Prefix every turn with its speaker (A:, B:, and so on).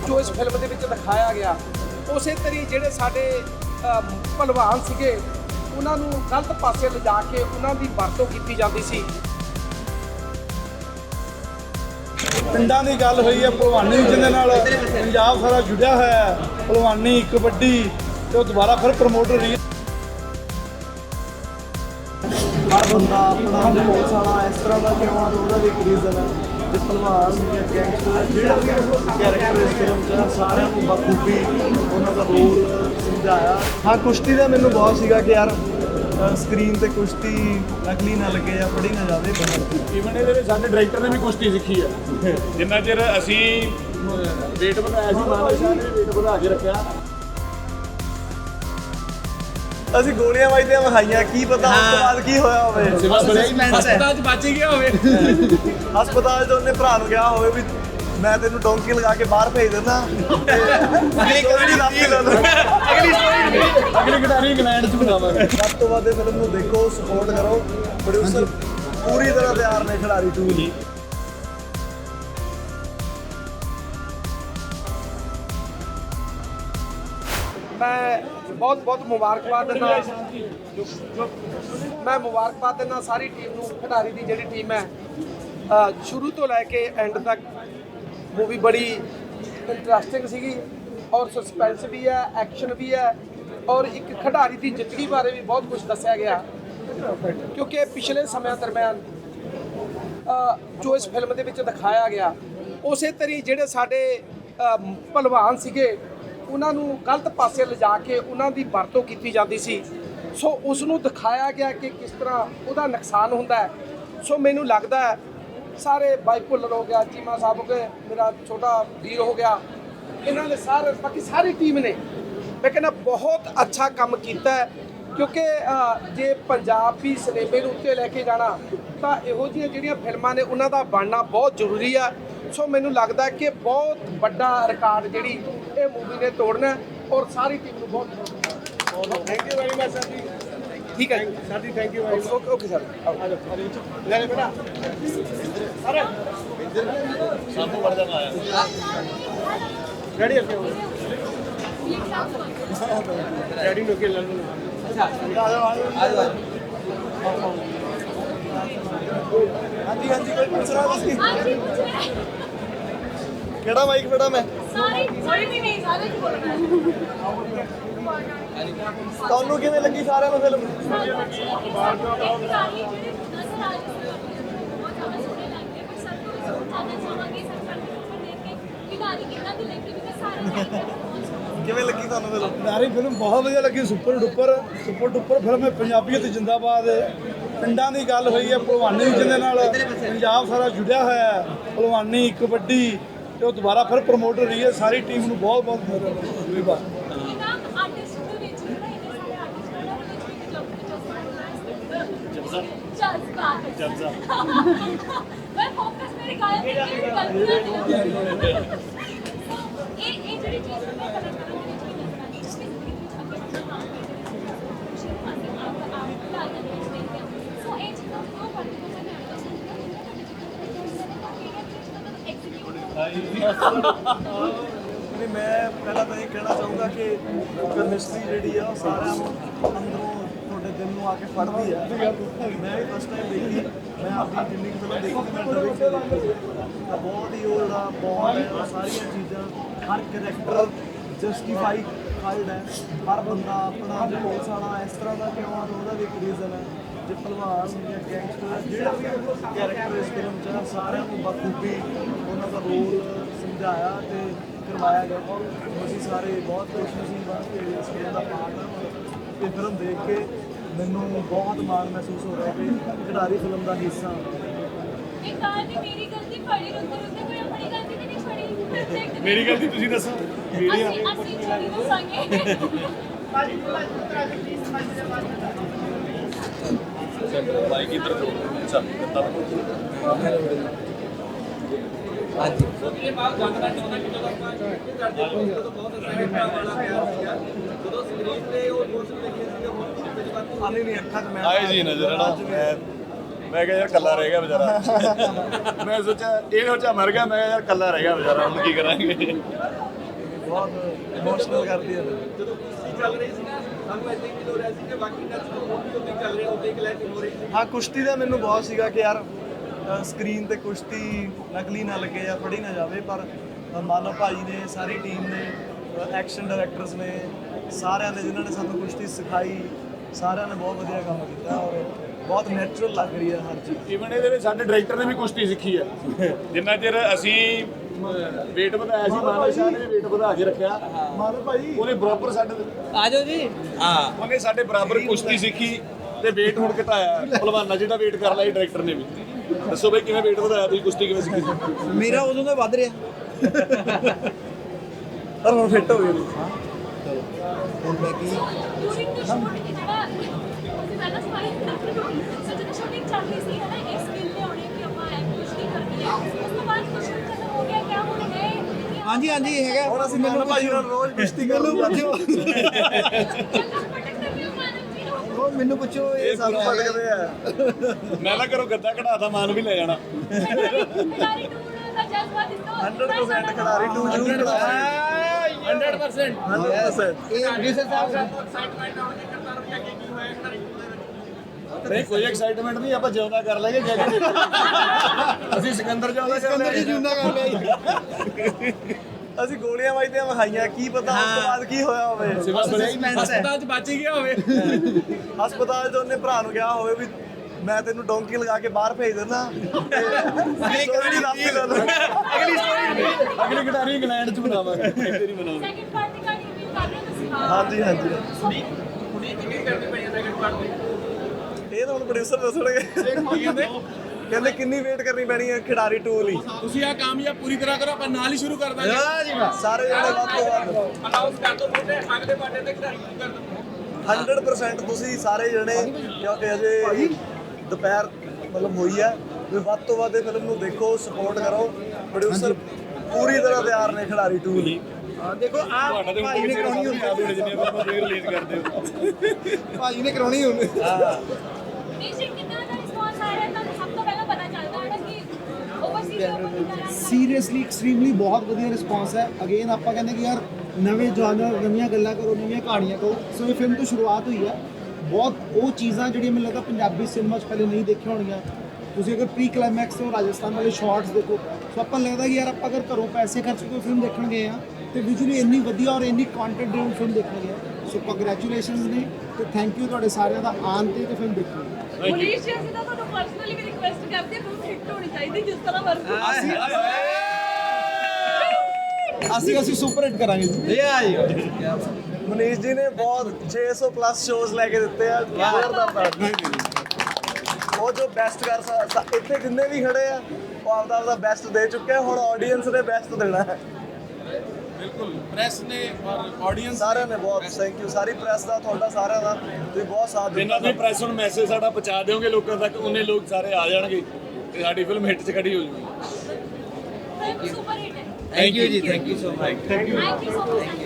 A: ਜੋ ਇਸ ਫਿਲਮ ਦੇ ਵਿੱਚ ਦਿਖਾਇਆ ਗਿਆ ਉਸੇ ਤਰੀ ਜਿਹੜੇ ਸਾਡੇ ਭਲਵਾਨ ਸੀਗੇ ਉਹਨਾਂ ਨੂੰ ਗਲਤ ਪਾਸੇ ਲਿਜਾ ਕੇ ਉਹਨਾਂ ਦੀ ਵਰਤੋਂ ਕੀਤੀ ਜਾਂਦੀ ਸੀ।
B: ਪਿੰਡਾਂ ਦੀ ਗੱਲ ਹੋਈ ਹੈ ਭਲਵਾਨੀ ਜਿਹਦੇ ਨਾਲ ਪੰਜਾਬ ਸਾਰਾ ਜੁੜਿਆ ਹੋਇਆ ਹੈ। ਭਲਵਾਨੀ ਕਬੱਡੀ ਤੇ ਉਹ ਦੁਬਾਰਾ ਫਿਰ ਪ੍ਰਮੋਟ ਹੋ ਰਹੀ ਹੈ।
C: ਹਰ ਬੰਦਾ ਆਪਣਾ ਪੁਲਿਸ ਵਾਲਾ ਇਸ ਤਰ੍ਹਾਂ ਦਾ ਕਿਉਂ ਆ ਉਹਦਾ ਵੀ ਇੱਕ ਰੀਜ਼ਨ ਹੈ। ਤੇ ਭਲਵਾਨ ਜਾਂ ਗੈਂਗਸਟਰ ਜਿਹੜਾ ਵੀ ਕੈਰੈਕਟਰ ਇਸ ਫਿਲਮ 'ਚ ਸਾਰਿਆਂ ਨੂੰ ਬਖੂਬੀ ਉਹਨਾਂ ਦਾ ਰੋਲ ਸਮਝਾਇਆ। ਹਾਂ ਕੁਸ਼ਤੀ ਦਾ ਮੈਨੂੰ ਬਹੁਤ ਸੀਗਾ ਕਿ ਯਾਰ ਸਕਰੀਨ ਤੇ ਕੁਸ਼ਤੀ ਨਕਲੀ ਨਾ ਲੱਗੇ ਜਾਂ ਪੜੀ ਨਾ ਜਾਵੇ।
D: ਈਵਨ ਇਹਦੇ ਵਿੱਚ ਸਾਡੇ ਡਾਇਰੈਕਟਰ ਨੇ ਵੀ ਕੁਸ਼ਤੀ ਸਿੱਖੀ ਹੈ। ਜਿੰਨਾ ਚਿਰ ਅਸੀਂ ਵੇਟ ਵਧਾਇਆ ਸੀ ਮਾਨਵ ਸ਼ਾਹ ਨੇ ਵੇਟ ਵਧਾ ਕੇ ਰੱਖਿਆ।
C: ਅਸੀਂ ਗੋਲੀਆਂ ਵੱਜਦੀਆਂ ਵਿਖਾਈਆਂ, ਕੀ ਪਤਾ ਉਸ ਤੋਂ ਬਾਅਦ ਕੀ ਹੋਇਆ ਹੋਵੇ।
D: ਹਸਪਤਾਲ 'ਚ ਬਚ ਹੀ ਗਿਆ ਹੋਵੇ।
C: ਹਸਪਤਾਲ 'ਚ ਉਹਨੇ ਭਰਾ ਨੂੰ ਕਿਹਾ ਹੋਵੇ ਵੀ ਮੈਂ ਤੈਨੂੰ ਡੋਂਕੀ ਲਗਾ ਕੇ ਬਾਹਰ ਭੇਜ ਦਿੰਦਾ। ਅਗਲੀ
D: ਖਿਡਾਰੀ ਇੰਗਲੈਂਡ 'ਚ ਬਣਾਵਾਂਗੇ।
C: ਵੱਧ ਤੋਂ ਵੱਧ ਫਿਲਮ ਨੂੰ ਦੇਖੋ, ਸਪੋਰਟ ਕਰੋ। ਪ੍ਰੋਡਿਊਸਰ ਪੂਰੀ ਤਰ੍ਹਾਂ ਤਿਆਰ ਨੇ ਖਿਡਾਰੀ 2 ਲਈ।
A: ਮੈਂ ਬਹੁਤ ਮੁਬਾਰਕਬਾਦ ਦਿੰਦਾ ਸਾਰੀ ਟੀਮ ਨੂੰ। ਖਿਡਾਰੀ ਦੀ ਜਿਹੜੀ ਟੀਮ ਹੈ ਸ਼ੁਰੂ ਤੋਂ ਲੈ ਕੇ ਐਂਡ ਤੱਕ ਮੂਵੀ ਬੜੀ ਇੰਟਰਸਟਿੰਗ ਸੀਗੀ ਔਰ ਸਸਪੈਂਸ ਵੀ ਹੈ, ਐਕਸ਼ਨ ਵੀ ਹੈ ਔਰ ਇੱਕ ਖਿਡਾਰੀ ਦੀ ਜ਼ਿੰਦਗੀ ਬਾਰੇ ਵੀ ਬਹੁਤ ਕੁਝ ਦੱਸਿਆ ਗਿਆ। ਕਿਉਂਕਿ ਪਿਛਲੇ ਸਮਿਆਂ ਦਰਮਿਆਨ ਜੋ ਇਸ ਫਿਲਮ ਦੇ ਵਿੱਚ ਦਿਖਾਇਆ ਗਿਆ ਉਸੇ ਤਰੀ ਜਿਹੜੇ ਸਾਡੇ ਭਲਵਾਨ ਸੀਗੇ ਉਹਨਾਂ ਨੂੰ ਗਲਤ ਪਾਸੇ ਲਿਜਾ ਕੇ ਉਹਨਾਂ ਦੀ ਵਰਤੋਂ ਕੀਤੀ ਜਾਂਦੀ ਸੀ। ਸੋ ਉਸ ਨੂੰ ਦਿਖਾਇਆ ਗਿਆ ਕਿ ਕਿਸ ਤਰ੍ਹਾਂ ਉਹਦਾ ਨੁਕਸਾਨ ਹੁੰਦਾ ਹੈ। ਸੋ ਮੈਨੂੰ ਲੱਗਦਾ ਹੈ ਸਾਰੇ ਬਾਈ ਭੁੱਲਰ ਹੋ ਗਿਆ, ਚੀਮਾ ਸਾਹਿਬ ਹੋ ਗਏ, ਮੇਰਾ ਛੋਟਾ ਵੀਰ ਹੋ ਗਿਆ, ਇਹਨਾਂ ਨੇ ਸਾਰੇ ਬਾਕੀ ਸਾਰੀ ਟੀਮ ਨੇ ਮੈਂ ਕਹਿੰਦਾ ਬਹੁਤ ਅੱਛਾ ਕੰਮ ਕੀਤਾ ਹੈ। ਕਿਉਂਕਿ ਜੇ ਪੰਜਾਬੀ ਸਿਨੇਮੇ ਨੂੰ ਉੱਤੇ ਲੈ ਕੇ ਜਾਣਾ ਤਾਂ ਇਹੋ ਜਿਹੀਆਂ ਜਿਹੜੀਆਂ ਫਿਲਮਾਂ ਨੇ ਉਹਨਾਂ ਦਾ ਬਣਨਾ ਬਹੁਤ ਜ਼ਰੂਰੀ ਆ। ਸੋ ਮੈਨੂੰ ਲੱਗਦਾ ਕਿ ਬਹੁਤ ਵੱਡਾ ਰਿਕਾਰਡ ਜਿਹੜੀ ਇਹ ਮੂਵੀ ਨੇ ਤੋੜਨਾ ਔਰ ਸਾਰੀ ਟੀਮ ਨੂੰ ਬਹੁਤ
D: thank you very much sir ਜੀ।
A: ਠੀਕ ਹੈ
D: ਸਰ ਜੀ thank you very much.
A: Okay sir
D: ਲੈ ਲੈ ਬੇਟਾ ਅਰੇ ਸਾਨੂੰ ਵੜ ਜਾਣਾ ਆਇਆ ਗਾੜੀ ਅੱਗੇ ਡੈਡੀ ਨੂੰ ਕੇ ਲੈ ਲਓ।
C: ਹਾਂਜੀ ਕੋਈ ਪੁੱਛ ਰਿਹਾ ਤੁਸੀਂ? ਕਿਹੜਾ ਮਾਈਕ ਫੜਾ ਮੈਂ? ਤੁਹਾਨੂੰ ਕਿਵੇਂ ਲੱਗੀ ਸਾਰਿਆਂ ਨੂੰ ਫਿਲਮ? ਕਿਵੇਂ ਲੱਗੀ ਤੁਹਾਨੂੰ ਫਿਲਮ?
B: ਪਿਆਰੀ ਫਿਲਮ ਬਹੁਤ ਵਧੀਆ ਲੱਗੀ। ਸੁਪਰ ਡੁਪਰ ਫਿਲਮ ਹੈ। ਪੰਜਾਬੀਅਤ ਜਿੰਦਾਬਾਦ। ਪਿੰਡਾਂ ਦੀ ਗੱਲ ਹੋਈ ਹੈ ਭਲਵਾਨੀ ਜਿਹਦੇ ਨਾਲ ਪੰਜਾਬ ਸਾਰਾ ਜੁੜਿਆ ਹੋਇਆ ਹੈ। ਭਲਵਾਨੀ ਕਬੱਡੀ ਤੇ ਉਹ ਦੁਬਾਰਾ ਫਿਰ ਪ੍ਰਮੋਟ ਹੋ ਰਹੀ ਹੈ। ਸਾਰੀ ਟੀਮ ਨੂੰ ਬਹੁਤ ਧੰਨਵਾਦ।
C: ਨਹੀਂ ਮੈਂ ਪਹਿਲਾਂ ਤਾਂ ਇਹ ਕਹਿਣਾ ਚਾਹੂੰਗਾ ਕਿ ਕੈਮਿਸਟਰੀ ਜਿਹੜੀ ਆ ਉਹ ਸਾਰਿਆਂ ਨੂੰ ਅੰਦਰੋਂ ਤੁਹਾਡੇ ਦਿਲ ਨੂੰ ਆ ਕੇ ਫੜਦੀ ਆ। ਮੈਂ ਵੀ ਫਸਟ ਟਾਈਮ ਦੇਖੀ। ਮੈਂ ਆਪਣੀ ਜਿੰਨੀ ਫਿਲਮ ਦੇਖੀ ਮੈਂ ਡਬਿੰਗ ਦੇਖੀ ਤਾਂ ਬਹੁਤ ਹੀ ਉਹ ਜਿਹੜਾ ਬਹੁਤ ਹੈ ਉਹ ਸਾਰੀਆਂ ਚੀਜ਼ਾਂ ਹਰ ਕਰੈਕਟਰ ਜਸਟੀਫਾਈਡ ਹੈ। ਹਰ ਬੰਦਾ ਆਪਣਾ ਪੁਲਿਸ ਵਾਲਾ ਇਸ ਤਰ੍ਹਾਂ ਦਾ ਕਿਉਂ ਆ ਉਹਦਾ ਵੀ ਇੱਕ ਰੀਜ਼ਨ ਹੈ। ਜੇ ਭਲਵਾਨ ਜਾਂ ਗੈਂਗਸਟਰ ਜਿਹੜਾ ਵੀ ਕੈਰੈਕਟਰ ਇਸ ਫਿਲਮ 'ਚ ਸਾਰਿਆਂ ਨੂੰ ਬਖੂਬੀ ਉਹਨਾਂ ਦਾ ਰੋਲ ਸਮਝਾਇਆ ਤੇ ਕਰਵਾਇਆ ਗਿਆ। ਅਸੀਂ ਸਾਰੇ ਬਹੁਤ ਖੁਸ਼ਨਸੀਬ ਹਾਂ ਕਿ ਇਸ ਫਿਲਮ ਦਾ ਪਾਰਟ ਹਾਂ ਤੇ ਫਿਲਮ ਦੇਖ ਕੇ ਮੈਨੂੰ ਬਹੁਤ ਮਾਣ ਮਹਿਸੂਸ ਹੋ ਰਿਹਾ ਕਿ ਖਿਡਾਰੀ ਫਿਲਮ ਦਾ ਹਿੱਸਾ।
D: ਮੇਰੀ ਗਲਤੀ ਤੁਸੀਂ ਦੱਸੋ। ਬਾਈਕ ਇੱਧਰ ਤੋਂ ਅੱਛਾ ਕਿੱਦਾਂ
E: ਹਾਂਜੀ
F: ਇਹ ਬਾਤ ਜਾਣਨਾ ਚਾਹੁੰਦਾ ਕਿ ਜਦੋਂ ਆਪਾਂ ਕਰਦੇ ਜਦੋਂ ਬਹੁਤ ਅਸਾਈਨਮੈਂਟ ਵਾਲਾ ਪਿਆਰ ਸੀਗਾ ਜਦੋਂ ਸਕਰੀਨ ਤੇ ਉਹ ਦੋਸਤ ਦੇਖੇ ਸੀਗੇ ਬਹੁਤ
C: ਆਲੇ ਨਹੀਂ ਅੱਖਾਂ 'ਚ ਮੈਂ
D: ਆਏ ਜੀ ਨਜ਼ਰ ਨਾ ਮੈਂ ਕਿਹਾ ਯਾਰ ਕੱਲਾ ਰਹਿ ਗਿਆ ਵਿਚਾਰਾ। ਮੈਂ ਸੋਚਿਆ ਇਹ ਸੋਚਿਆ ਮਰ ਗਿਆ, ਮੈਂ ਕਿਹਾ ਯਾਰ ਕੱਲਾ ਰਹਿ ਗਿਆ ਵਿਚਾਰਾ, ਹੁਣ ਕੀ ਕਰਾਂਗੇ।
C: ਬਹੁਤ ਇਮੋਸ਼ਨਲ ਕਰਦੀ ਹੈ।
F: ਜਦੋਂ ਕੁਸ਼ਤੀ ਚੱਲ ਰਹੀ ਸੀ ਨਾ ਸਾਨੂੰ ਇੱਦਾਂ ਹੀ ਫੀਲ ਹੋ ਰਿਹਾ ਸੀ ਕਿ ਬਾਕੀ ਨੈਚ ਤੋਂ ਹੋਰ ਵੀ ਉੱਤੇ ਚੱਲ ਰਹੇ ਉੱਤੇ ਕਲੈਸ਼ ਹੋ ਰਹੀ ਸੀ।
C: ਹਾਂ, ਕੁਸ਼ਤੀ ਦਾ ਮੈਨੂੰ ਬਹੁਤ ਸੀਗਾ ਕਿ ਯਾਰ ਸਕਰੀਨ ਤੇ ਕੁਸ਼ਤੀ ਨਕਲੀ ਨਾ ਲੱਗੇ ਜਾਂ ਫੜੀ ਨਾ ਜਾਵੇ, ਪਰ ਮਾਨਵ ਭਾਜੀ ਨੇ, ਸਾਰੀ ਟੀਮ ਨੇ, ਐਕਸ਼ਨ ਡਾਇਰੈਕਟਰਸ ਨੇ, ਸਾਰਿਆਂ ਨੇ ਜਿਨ੍ਹਾਂ ਨੇ ਸਾਨੂੰ ਕੁਸ਼ਤੀ ਸਿਖਾਈ, ਸਾਰਿਆਂ ਨੇ ਬਹੁਤ ਵਧੀਆ ਕੰਮ ਕੀਤਾ ਔਰ ਬਹੁਤ ਨੈਚੁਰਲ ਲੱਗ ਰਹੀ ਹੈ ਹਰ ਚੀਜ਼।
D: ਈਵਨ ਇਹਦੇ ਵਿੱਚ ਸਾਡੇ ਡਾਇਰੈਕਟਰ ਨੇ ਵੀ ਕੁਸ਼ਤੀ ਸਿੱਖੀ ਹੈ। ਜਿੰਨਾ ਚਿਰ ਅਸੀਂ weight ਵਧਾਇਆ ਸੀ, ਮਾਨਵ ਸ਼ਾਹ ਨੇ weight ਵਧਾ ਕੇ ਰੱਖਿਆ। ਮਾਨਵ ਭਾਈ ਉਹਨੇ ਬਰਾਬਰ ਸਾਡੇ
E: ਆ ਜਾਓ ਜੀ। ਹਾਂ
D: ਉਹਨੇ ਸਾਡੇ ਬਰਾਬਰ ਕੁਸ਼ਤੀ ਸਿੱਖੀ ਤੇ weight ਹੁਣ ਘਟਾਇਆ। ਭਲਵਾਨਾਂ ਜਿਹੜਾ weight ਕਰ ਲਿਆ ਡਾਇਰੈਕਟਰ ਨੇ ਵੀ। ਦੱਸੋ ਬਈ ਕਿਵੇਂ weight ਵਧਾਇਆ ਤੁਸੀਂ, ਕੁਸ਼ਤੀ ਕਿਵੇਂ ਸਿੱਖੀ?
E: ਮੇਰਾ ਉਦੋਂ ਦਾ ਵੱਧ ਰਿਹਾ।
C: ਪਰ ਹੁਣ ਫਿੱਟ ਹੋ ਗਏ ਨੇ।
E: ਹੁਣ ਮੈਂ ਕੀ
G: ਡੂਰਿੰਗ ਦ ਸ਼ੂਟ ਜਿਹੜਾ ਅਸੀਂ ਪਹਿਲਾਂ ਸਜਣਾ ਸ਼ੂਟਿੰਗ ਚੱਲ ਰਹੀ ਸੀ ਹੈ ਨਾ, ਇਸ ਫੀਲ ਤੇ ਆਉਣੇ ਕਿ ਆਪਾਂ ਕੁਝ ਨਹੀਂ ਕਰਨੀ ਹੈ। ਉਸ ਤੋਂ ਬਾਅਦ ਕੁਝ ਖਤਮ ਹੋ ਗਿਆ, ਕਿਆ ਹੁਣ ਹੈ
E: ਹਾਂਜੀ ਹਾਂਜੀ ਹੈਗਾ।
C: ਹੁਣ ਅਸੀਂ ਮਾਨਵ ਭਾਜੀ ਨਾਲ ਰੋਜ਼ ਕੁਸ਼ਤੀ ਕਰ ਲੂ।
E: ਮੈਨੂੰ ਪੁੱਛੋ
C: ਇਹ ਸਾਨੂੰ ਪਟਕਦੇ ਆ।
D: ਮੈਂ ਨਾ ਕਰੋ ਗੱਦਾ ਕਢਾਤਾ, ਮਾਨ ਵੀ ਲੈ ਜਾਣਾ।
G: ਖਿਡਾਰੀ ਟੂਰ ਦਾ ਜਜ਼ਬਾ ਦਿੱਤਾ
C: 100% ਖਿਡਾਰੀ 2 ਜ਼ਰੂਰ ਖਿਡਾਰੀ
D: 100%।
C: 100%।
E: ਇਹ ਪ੍ਰੋਡਿਊਸਰ ਸਾਹਿਬ
F: ਐਕਸਾਈਟਮੈਂਟ ਆਉਣੀ ਕਰਤਾ ਰੁਕਿਆ ਕੀ ਹੋਇਆ ਖਿਡਾਰੀ ਟੂਰ ਦੇ ਵਿੱਚ?
D: ਨਹੀਂ ਕੋਈ ਐਕਸਾਈਟਮੈਂਟ ਨਹੀਂ, ਆਪਾਂ ਜਿਉਂਦਾ ਕਰ ਲਾਂਗੇ ਜਾ ਕੇ। ਅਸੀਂ ਸਿਕੰਦਰ ਜਿਉਂਦਾ ਕਰ ਲਾਂਗੇ।
E: ਜੁੰਦਾ ਕਰ ਲਿਆ।
C: ਅਸੀਂ ਗੋਲੀਆਂ ਵੱਜਦੀਆਂ ਵਿਖਾਈਆਂ, ਕੀ ਪਤਾ ਉਸ ਤੋਂ ਬਾਅਦ ਕੀ ਹੋਇਆ ਹੋਵੇ।
E: ਹਸਪਤਾਲ 'ਚ ਬਚ ਹੀ ਗਿਆ ਹੋਵੇ।
C: ਹਸਪਤਾਲ 'ਚ ਉਹਨੇ ਭਰਾ ਨੂੰ ਕਿਹਾ ਹੋਵੇ ਵੀ ਮੈਂ ਤੈਨੂੰ ਡੋਂਕੀ ਲਗਾ ਕੇ ਬਾਹਰ ਭੇਜ ਦਿੰਦਾ। ਅਗਲੀ
D: ਅਗਲੀ ਖਿਡਾਰੀ ਇੰਗਲੈਂਡ ਚ ਬਣਾਵਾਂਗੇ, ਇੱਥੇ ਨਹੀਂ ਬਣਾਵਾਂਗੇ।
G: ਸੈਕਿੰਡ ਪਾਰਟ ਦੀ ਕਹਾਣੀ ਵੀ ਕਰ ਰਹੇ ਹੋ ਤੁਸੀਂ।
C: ਹਾਂਜੀ ਹਾਂਜੀ।
F: ਹੁਣੀ ਕਿੰਨੀ ਕਰਨੀ ਪਈ ਹੈ ਸੈਕਿੰਡ ਪਾਰਟ ਦੀ?
C: ਇਹ ਤਾਂ ਹੁਣ ਪ੍ਰੋਡਿਊਸਰ ਦੱਸਣਗੇ। ਕਹਿੰਦੇ ਕਿੰਨੀ ਵੇਟ ਕਰਨੀ ਪੈਣੀ ਹੈ ਖਿਡਾਰੀ 2 ਲਈ।
F: ਤੁਸੀਂ ਆ ਕਾਮਯਾਬ ਪੂਰੀ ਤਰ੍ਹਾਂ ਕਰੋ, ਆਪਾਂ ਨਾਲ ਹੀ ਸ਼ੁਰੂ ਕਰ ਦਾਂਗੇ।
C: ਸਾਰੇ ਜਿਹੜੇ ਵੱਧ ਤੋਂ ਵੱਧ
F: ਅਨਾਉਂਸ ਕਰ ਦੋ ਮੋਟੇ ਅਗਲੇ ਪਾਰਟ ਤੇ ਖਿਡਾਰੀ ਟੂਰ ਕਰ ਦੋ।
C: 100% ਤੁਸੀਂ ਸਾਰੇ ਜਣੇ, ਕਿਉਂਕਿ ਅਜੇ ਦੁਪਹਿਰ ਮਤਲਬ ਹੋਈ ਹੈ, ਵੀ ਵੱਧ ਤੋਂ ਵੱਧ ਇਹ ਫਿਲਮ ਨੂੰ ਦੇਖੋ, ਸਪੋਰਟ ਕਰੋ। ਪ੍ਰੋਡਿਊਸਰ ਪੂਰੀ ਤਰ੍ਹਾਂ ਤਿਆਰ ਨੇ ਖਿਡਾਰੀ 2 ਲਈ।
E: ਦੇਖੋ ਆ
D: ਤੁਹਾਡਾ ਤੇ
E: ਭਾਈ ਨੇ ਕਰਾਉਣੀ ਹੁੰਦੀ।
D: ਯਾਦ ਹੋਣੇ ਜਿੰਨੇ ਆਪਾਂ ਤੁਸੀਂ ਰਿਲੀਜ਼ ਕਰਦੇ ਹੋ।
E: ਭਾਈ ਨੇ ਕਰਾਉਣੀ ਹੁੰਦੀ।
G: ਨਹੀਂ ਜੀ, ਕਿੰਨਾ ਦਾ ਰਿਸਪੌਂਸ ਆ ਰਿਹਾ ਤੁਹਾਨੂੰ ਸਭ ਤੋਂ ਪਹਿਲਾਂ ਪਤਾ ਚੱਲਦਾ ਹੈ ਨਾ ਕਿ ਓਵਰਸੀਜ਼ ਲੋਕਾਂ
H: ਸੀਰੀਅਸਲੀ ਐਕਸਟ੍ਰੀਮਲੀ ਬਹੁਤ ਵਧੀਆ ਰਿਸਪਾਂਸ ਹੈ। ਅਗੇਨ ਆਪਾਂ ਕਹਿੰਦੇ ਕਿ ਯਾਰ ਨਵੇਂ ਜਨਰ, ਨਵੀਆਂ ਗੱਲਾਂ ਕਰੋ, ਨਵੀਆਂ ਕਹਾਣੀਆਂ ਕਰੋ। ਸੋ ਇਹ ਫਿਲਮ ਤੋਂ ਸ਼ੁਰੂਆਤ ਹੋਈ ਹੈ। ਬਹੁਤ ਉਹ ਚੀਜ਼ਾਂ ਜਿਹੜੀਆਂ ਮੈਨੂੰ ਲੱਗਦਾ ਪੰਜਾਬੀ ਸਿਨੇਮਾ 'ਚ ਪਹਿਲੇ ਨਹੀਂ ਦੇਖੀਆਂ ਹੋਣੀਆਂ। ਤੁਸੀਂ ਅਗਰ ਪ੍ਰੀ ਕਲਾਈਮੈਕਸ ਤੋਂ ਰਾਜਸਥਾਨ ਵਾਲੇ ਸ਼ਾਰਟਸ ਦੇਖੋ, ਸੋ ਆਪਾਂ ਨੂੰ ਲੱਗਦਾ ਕਿ ਯਾਰ ਆਪਾਂ ਅਗਰ ਘਰੋਂ ਪੈਸੇ ਖਰਚ ਕੇ ਕੋਈ ਫਿਲਮ ਦੇਖਣ ਗਏ ਆ ਤੇ ਵਿਜ਼ੂਅਲੀ ਇੰਨੀ ਵਧੀਆ ਔਰ ਇੰਨੀ ਕੰਟੈਂਟ ਡਰਿਵਨ ਫਿਲਮ ਦੇਖਣ ਗਏ ਆ। ਸੋ ਕੰਗ੍ਰੈਚੁਲੇਸ਼ਨਸ ਨੇ ਤੇ ਥੈਂਕ ਯੂ ਤੁਹਾਡੇ ਸਾਰਿਆਂ ਦਾ ਆਉਣ ਤੇ ਫਿਲਮ ਦੇਖਣ ਲਈ।
G: ਪੁਲਿਸ ਜੀ ਅਸੀਂ ਤਾਂ ਤੁਹਾਨੂੰ ਪਰਸਨਲੀ ਵੀ ਰਿਕੁਐਸਟ ਕਰਦੇ ਹਾਂ, ਫਿਲਮ ਹਿੱਟ ਹੋਣੀ ਚਾਹੀਦੀ ਜਿਸ ਤਰ੍ਹਾਂ ਮਰਜ਼ੀ।
H: ਅਸੀਂ ਸੁਪਰ ਹਿੱਟ ਕਰਾਂਗੇ ਜੀ।
C: ਮਨੀਸ਼ ਜੀ ਨੇ ਬਹੁਤ 600 ਪਲੱਸ ਸ਼ੋਜ਼ ਲੈ ਕੇ ਦਿੱਤੇ ਆ। ਉਹ ਜੋ ਬੈਸਟ ਕਰ ਇੱਥੇ ਜਿੰਨੇ ਵੀ ਖੜੇ ਆ, ਉਹ ਆਪਦਾ ਬੈਸਟ ਦੇ ਚੁੱਕੇ ਆ। ਹੁਣ ਆਡੀਅנס ਨੇ ਬੈਸਟ ਦੇਣਾ ਹੈ।
F: ਬਿਲਕੁਲ, ਪ੍ਰੈਸ ਨੇ ਔਰ ਆਡੀਅנס
C: ਸਾਰਿਆਂ ਨੇ ਬਹੁਤ ਥੈਂਕ ਯੂ, ਸਾਰੀ ਪ੍ਰੈਸ ਦਾ, ਤੁਹਾਡਾ ਸਾਰਿਆਂ ਦਾ, ਤੁਸੀਂ ਬਹੁਤ ਸਾਥ
D: ਜਿੰਨਾ
C: ਦਿੱਤਾ।
D: ਵੀ ਪ੍ਰੈਸ ਨੂੰ ਮੈਸੇਜ ਸਾਡਾ ਪਹੁੰਚਾ ਦਿਓਗੇ ਲੋਕਾਂ ਤੱਕ, ਉਹਨੇ ਲੋਕ ਸਾਰੇ ਆ ਜਾਣਗੇ ਤੇ ਸਾਡੀ ਫਿਲਮ ਹਿੱਟ 'ਚ ਖੜੀ ਹੋ ਜਾਊਗੀ।
G: ਫਿਲਮ ਸੁਪਰ ਹਿੱਟ ਹੈ।
E: ਥੈਂਕ ਯੂ ਜੀ, thank you so much.
G: Thank you so much.